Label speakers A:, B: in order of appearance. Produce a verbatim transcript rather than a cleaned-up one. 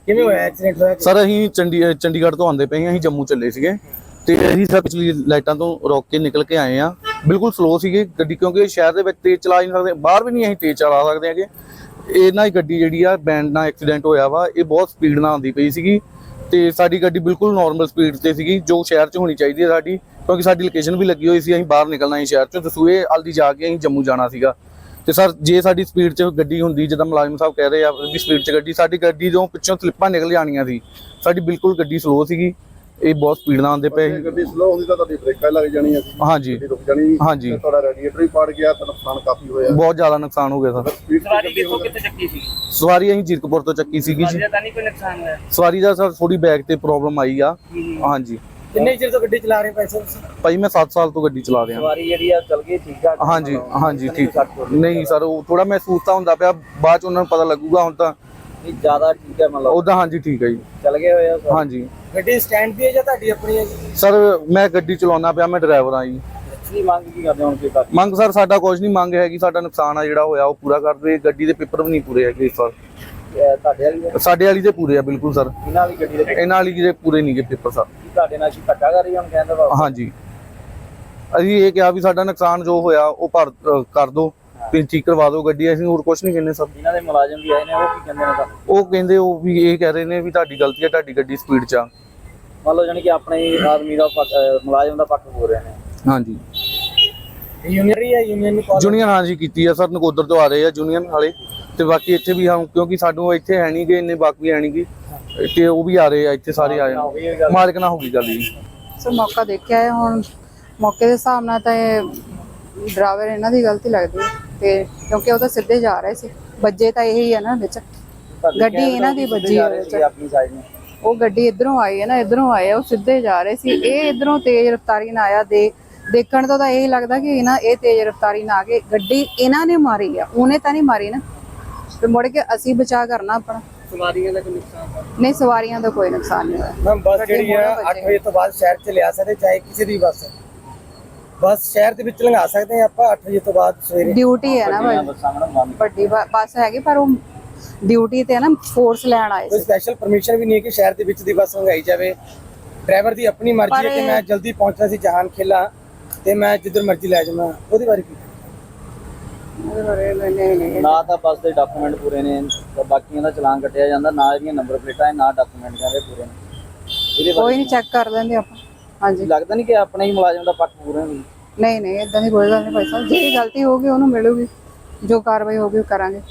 A: ਕਿਵੇਂ ਹੋਇਆ ਐਕਸੀਡੈਂਟ ਹੋਇਆ
B: ਸਰ ਅਸੀਂ ਚੰਡੀ ਚੰਡੀਗੜ੍ਹ ਤੋਂ ਆਉਂਦੇ ਪਏ ਹਾਂ, ਅਸੀਂ ਜੰਮੂ ਚੱਲੇ ਸੀਗੇ ਤੇ ਅਸੀਂ ਸਰ ਪਿਛਲੀ ਲਾਈਟਾਂ ਤੋਂ ਰੋਕ ਕੇ ਨਿਕਲ ਕੇ ਆਏ ਆ। ਬਿਲਕੁਲ ਸਲੋ ਸੀਗੀ ਗੱਡੀ ਕਿਉਂਕਿ ਸ਼ਹਿਰ ਦੇ ਵਿੱਚ ਤੇਜ਼ ਚਲਾ ਨਹੀਂ ਸਕਦੇ, ਬਾਹਰ ਵੀ ਨਹੀਂ ਅਸੀਂ ਤੇਜ਼ ਚਲਾ ਸਕਦੇ ਹੈਗੇ। ਇਹਨਾਂ ਦੀ ਗੱਡੀ ਜਿਹੜੀ ਆ ਬੈਂਡ ਨਾਲ ਐਕਸੀਡੈਂਟ ਹੋਇਆ ਵਾ, ਇਹ ਬਹੁਤ ਸਪੀਡ ਨਾਲ ਆਉਂਦੀ ਪਈ ਸੀਗੀ ਤੇ ਸਾਡੀ ਗੱਡੀ ਬਿਲਕੁਲ ਨਾਰਮਲ ਸਪੀਡ ਤੇ ਸੀਗੀ ਜੋ ਸ਼ਹਿਰ 'ਚ ਹੋਣੀ ਚਾਹੀਦੀ ਹੈ ਸਾਡੀ, ਕਿਉਂਕਿ ਸਾਡੀ ਲੋਕੇਸ਼ਨ ਵੀ ਲੱਗੀ ਹੋਈ ਸੀ, ਅਸੀਂ ਬਾਹਰ ਨਿਕਲਣਾ ਸੀ ਸ਼ਹਿਰ 'ਚੋਂ, ਦਸੂਏ ਹਲਦੀ ਜਾ ਕੇ ਅਸੀਂ ਜੰਮੂ ਜਾਣਾ ਸੀਗਾ। ਤੇ ਸਰ ਜੇ ਸਾਡੀ ਸਪੀਡ 'ਚ ਗੱਡੀ ਹੁੰਦੀ ਜਿੱਦਾਂ ਮੁਲਾਜ਼ਮ ਸਾਹਿਬ ਕਹਿ ਰਹੇ ਆ ਵੀ ਸਪੀਡ 'ਚ ਗੱਡੀ, ਸਾਡੀ ਗੱਡੀ ਤੋਂ ਪਿੱਛੋਂ ਸਲਿੱਪਾਂ ਨਿਕਲ ਜਾਣੀਆਂ ਸੀ। ਸਾਡੀ ਬਿਲਕੁਲ ਗੱਡੀ ਸਲੋ ਸੀਗੀ, ਇਹ ਬਹੁਤ ਸਪੀਡ ਨਾਲ ਆਉਂਦੇ ਪਏ।
C: ਗੱਡੀ ਸਲੋ ਹੁੰਦੀ ਤਾਂ ਤੁਹਾਡੀ ਬ੍ਰੇਕਾਂ ਲੱਗ ਜਾਣੀਆਂ ਸੀ,
B: ਹਾਂਜੀ
C: ਰੁਕ ਜਾਣੀ,
B: ਹਾਂਜੀ
C: ਤੁਹਾਡਾ ਰੈਡੀਏਟਰ ਵੀ ਪਾੜ ਗਿਆ ਤਾਂ ਨੁਕਸਾਨ ਕਾਫੀ ਹੋਇਆ,
B: ਬਹੁਤ ਜ਼ਿਆਦਾ ਨੁਕਸਾਨ ਹੋ ਗਿਆ ਸਰ।
A: ਸਵਾਰੀ ਕਿੱਥੋਂ ਕਿੱਥੇ ਚੱਕੀ ਸੀ?
B: ਸਵਾਰੀ ਅਸੀਂ ਜੀਰਕਪੁਰ ਤੋਂ ਚੱਕੀ ਸੀਗੀ ਜੀ।
A: ਤਾਂ ਨਹੀਂ ਕੋਈ ਨੁਕਸਾਨ ਹੋਇਆ?
B: ਸਵਾਰੀ ਦਾ ਸਰ ਥੋੜੀ ਬੈਕ ਤੇ ਪ੍ਰੋਬਲਮ ਆਈ ਆ। ਹਾਂਜੀ।
A: ਕਿੰਨੇ ਚਿਰ ਤੋਂ ਗੱਡੀ ਚਲਾ ਰਹੇ ਪੈਸੇ ਤੁਸੀਂ?
B: ਭਾਈ ਮੈਂ ਸੱਤ ਸਾਲ ਤੋਂ ਗੱਡੀ ਚਲਾ ਰਿਹਾ।
A: ਸਵਾਰੀ ਜਿਹੜੀ ਆ ਚੱਲ ਗਈ ਠੀਕ ਠਾਕ?
B: ਹਾਂਜੀ ਹਾਂਜੀ ਠੀਕ। ਨਹੀਂ ਸਰ ਉਹ ਥੋੜਾ ਮਹਿਸੂਸ ਤਾਂ ਹੁੰਦਾ ਪਿਆ, ਬਾਅਦ ਚ ਉਹਨਾਂ ਨੂੰ ਪਤਾ ਲੱਗੂਗਾ। ਹੁਣ ਤਾਂ
A: ਜ਼ਿਆਦਾ ਠੀਕ ਹੈ ਮਤਲਬ
B: ਉਦਾਂ ਹਾਂਜੀ ਠੀਕ ਹੈ ਜੀ,
A: ਚੱਲ ਗਏ ਹੋਏ ਆ।
B: ਹਾਂਜੀ।
A: ਗੱਡੀ ਸਟੈਂਡ ਦੀ ਹੈ ਜਾਂ ਤੁਹਾਡੀ ਆਪਣੀ ਹੈ ਜੀ?
B: ਸਰ ਮੈਂ ਗੱਡੀ ਚਲਾਉਣਾ ਪਿਆ, ਮੈਂ ਡਰਾਈਵਰ ਆ ਜੀ।
A: ਕੀ ਮੰਗ ਕੀ ਕਰਦੇ ਹੁਣ? ਕੀ ਬਾਕੀ
B: ਮੰਗ ਸਰ ਸਾਡਾ ਕੁਝ ਨਹੀਂ ਮੰਗ ਹੈਗੀ, ਸਾਡਾ ਨੁਕਸਾਨ ਆ ਜਿਹੜਾ ਹੋਇਆ ਉਹ ਪੂਰਾ ਕਰ ਦੇ। ਗੱਡੀ ਦੇ ਪੇਪਰ ਵੀ ਨਹੀਂ ਪੂਰੇ ਹੈਗੇ ਇਸ ਵਾਰ।
A: ਤੁਹਾਡੇ ਵਾਲੀ ਹੈ?
B: ਸਾਡੇ ਵਾਲੀ ਦੇ ਪੂਰੇ ਆ ਬਿਲਕੁਲ ਸਰ,
A: ਇਹਨਾਂ ਵਾਲੀ ਗੱਡੀ ਦੇ
B: ਇਹਨਾਂ ਵਾਲੀ ਦੇ ਪੂਰੇ ਨਹੀਂ ਗੇ ਪੇਪਰ ਸਰ।
A: ਤੁਹਾਡੇ ਨਾਲ ਕੀ ਧੱਕਾ ਕਰ ਰਹੀ ਹੁਣ ਕਹਿੰਦੇ ਵਾ?
B: ਹਾਂਜੀ ਅਸੀਂ ਇਹ ਕਿਹਾ ਵੀ ਸਾਡਾ ਨੁਕਸਾਨ ਜੋ ਹੋਇਆ ਉਹ ਭਰ ਅ, ਕਰ ਦਿਓ, ਤੁਸੀਂ ਠੀਕ ਕਰਵਾ ਦਿਓ ਗੱਡੀ, ਅਸੀਂ ਹੋਰ ਕੁਝ ਨਹੀਂ ਕਹਿੰਦੇ ਸਰ।
A: ਇਹਨਾਂ ਦੇ ਮੁਲਾਜ਼ਮ ਵੀ ਆਏ ਨੇ, ਉਹ ਕੀ ਕਹਿੰਦੇ ਨੇ ਤੁਹਾਨੂੰ?
B: ਉਹ ਕਹਿੰਦੇ ਉਹ ਵੀ ਇਹ ਕਹਿ ਰਹੇ ਨੇ ਵੀ ਤੁਹਾਡੀ ਗਲਤੀ ਹੈ, ਤੁਹਾਡੀ ਗੱਡੀ ਸਪੀਡ 'ਚ ਆ।
A: ਮੰਨ ਲਓ ਜਾਨੀ ਕਿ ਆਪਣੇ ਆਦਮੀ ਦਾ ਪੱਖ, ਮੁਲਾਜ਼ਮ ਦਾ ਪੱਖ ਹੋ ਰਹੇ ਨੇ।
B: ਹਾਂਜੀ
A: ਯੂਨੀਅਨ ਹੀ ਹੈ, ਯੂਨੀਅਨ ਨੂੰ ਕਾਲ?
B: ਯੂਨੀਅਨ ਹਾਂਜੀ ਕੀਤੀ ਆ ਸਰ, ਨਕੋਦਰ ਤੋਂ ਆ ਰਹੇ ਆ ਯੂਨੀਅਨ ਵਾਲੇ ਤੇ ਬਾਕੀ ਇੱਥੇ ਵੀ ਹਾਂ, ਕਿਉਂਕਿ ਸਾਨੂੰ ਇੱਥੇ ਹੈ ਨਹੀਂ ਗੇ ਇੰਨੇ ਬਾਕੀ ਹੈ ਨਹੀਂ ਗੀ ਤੇ ਉਹ ਵੀ ਆ ਰਹੇ ਆ ਇੱਥੇ ਸਾਰੇ ਆਏ ਆ। ਮਾਲਕ ਨਾਲ ਹੋ ਗਈ ਗੱਲ ਜੀ
D: ਸਰ। ਮੌਕਾ ਦੇਖਿਆ ਹੈ, ਹੁਣ ਮੌਕੇ ਦੇ ਹਿਸਾਬ ਨਾਲ ਤਾਂ ਇਹ ਡਰਾਈਵਰ ਇਹਨਾਂ ਦੀ ਗਲਤੀ ਲੱਗਦੀ ਹੈ ਤੇ ਕਿਉਂਕਿ ਉਹ ਤਾਂ ਸਿੱਧੇ ਜਾ ਰਹੇ ਸੀ, ਵੱਜੇ ਤਾਂ ਇਹੀ ਹੈ ਨਾ ਵਿੱਚ, ਗੱਡੀ ਇਹਨਾਂ ਦੀ ਵੱਜੀ ਹੈ ਵਿੱਚ।
A: ਆਪਣੀ ਸਾਈਡ ਨੂੰ
D: ਉਹ ਗੱਡੀ ਇਧਰੋਂ ਆਈ ਹੈ ਨਾ, ਇਧਰੋਂ ਆਏ ਉਹ ਸਿੱਧੇ ਜਾ ਰਹੇ ਸੀ, ਇਹ ਇਧਰੋਂ ਤੇਜ਼ ਰਫ਼ਤਾਰੀ ਨਾਲ ਆਇਆ। ਦੇ ਦੇਖਣ ਤੋਂ ਤਾਂ ਇਹ ਲੱਗਦਾ ਕਿ ਇਹਨਾਂ ਇਹ ਤੇਜ਼ ਰਫ਼ਤਾਰੀ ਨਾਲ ਆ ਕੇ ਗੱਡੀ ਇਹਨਾਂ ਨੇ ਮਾਰੀ ਆ, ਉਹਨੇ ਤਾਂ ਨਹੀਂ ਮਾਰੀ ਨਾ। ਤੇ ਮੁੜ ਕੇ ਅਸੀਂ ਬਚਾ ਕਰਨਾ ਆਪਣਾ।
A: ਸਵਾਰੀਆਂ ਦਾ ਕੋਈ ਨੁਕਸਾਨ
D: ਨਹੀਂ, ਸਵਾਰੀਆਂ ਦਾ ਕੋਈ ਨੁਕਸਾਨ ਨਹੀਂ ਹੋਇਆ।
A: ਮੈਮ ਬੱਸ ਜਿਹੜੀ ਹੈ ਅੱਠ ਵਜੇ ਤੋਂ ਬਾਅਦ ਸ਼ਹਿਰ ਚ ਲਿਆ ਸਕਦੇ, ਚਾਹੇ ਕਿਸੇ ਦੀ ਬੱਸ ਬੱਸ ਸ਼ਹਿਰ ਦੇ ਵਿੱਚ ਲੰਘਾ ਸਕਦੇ ਆ ਆਪਾਂ ਅੱਠ ਵਜੇ ਤੋਂ ਬਾਅਦ ਸਵੇਰੇ?
D: ਡਿਊਟੀ ਹੈ ਨਾ ਭਾਈ,
A: ਬੱਸਾਂ ਮੈਡਮ
D: ਵੱਡੀ ਬ- ਬੱਸ ਹੈਗੀ ਪਰ ਉਹ ਡਿਊਟੀ ਤੇ ਹੈ ਨਾ, ਫੋਰਸ ਲੈਣ ਆਏ
A: ਕੋਈ
D: ਸੀ।
A: ਸਪੈਸ਼ਲ ਪਰਮਿਸ਼ਨ ਵੀ ਨਹੀਂ ਹੈ ਕਿ ਸ਼ਹਿਰ ਦੇ ਵਿੱਚ ਦੀ ਬੱਸ ਲੰਘਾਈ ਜਾਵੇ। ਡਰਾਈਵਰ ਦੀ ਆਪਣੀ ਮਰਜ਼ੀ ਹੈ ਕਿ ਮੈਂ ਜਲਦੀ ਪਹੁੰਚਣਾ ਸੀ ਜਹਾਨ ਖੇਲਾ ਤੇ ਮੈਂ ਜਿੱਧਰ ਮਰਜ਼ੀ ਲੈ ਜਾਵਾਂ, ਉਹਦੇ ਬਾਰੇ ਕੀ?
D: ਉਹਦੇ ਬਾਰੇ ਨਹੀਂ ਨਹੀਂ
A: ਨਾ ਤਾਂ ਬੱਸ ਦੇ ਡਾਕੂਮੈਂਟ ਪੂਰੇ ਨੇ, ਤਾਂ ਬਾਕੀਆਂ ਦਾ ਚਲਾਨ ਕੱਟਿਆ ਜਾਂਦਾ, ਨਾ ਇਹਦੀਆਂ ਨੰਬਰ ਪਲੇਟਾਂ ਹੈ, ਨਾ ਡਾਕੂਮੈਂਟ ਕਹਿੰਦੇ ਪੂਰੇ ਨੇ। ਇਹਦੇ
D: ਕੋਈ ਨਹੀਂ, ਚੈੱਕ ਕਰ ਲੈਂਦੇ ਆਪਾਂ। ਹਾਂਜੀ,
A: ਲੱਗਦਾ ਨਹੀਂ ਕਿ ਆਪਣੇ ਹੀ ਮੁਲਾਜ਼ਮ ਦਾ ਪੱਖ ਪੂਰਾ ਨਹੀਂ?
D: ਨਹੀਂ ਨਹੀਂ ਇਦਾਂ ਦੀ ਕੋਈ ਗੱਲ ਨਹੀਂ ਭਾਈ ਸਾਹਿਬ, ਜਿਹੜੀ ਗਲਤੀ ਹੋਊਗੀ ਉਹਨੂੰ ਮਿਲੂਗੀ, ਜੋ ਕਾਰਵਾਈ ਹੋਊਗੀ ਉਹ ਕਰਾਂਗੇ।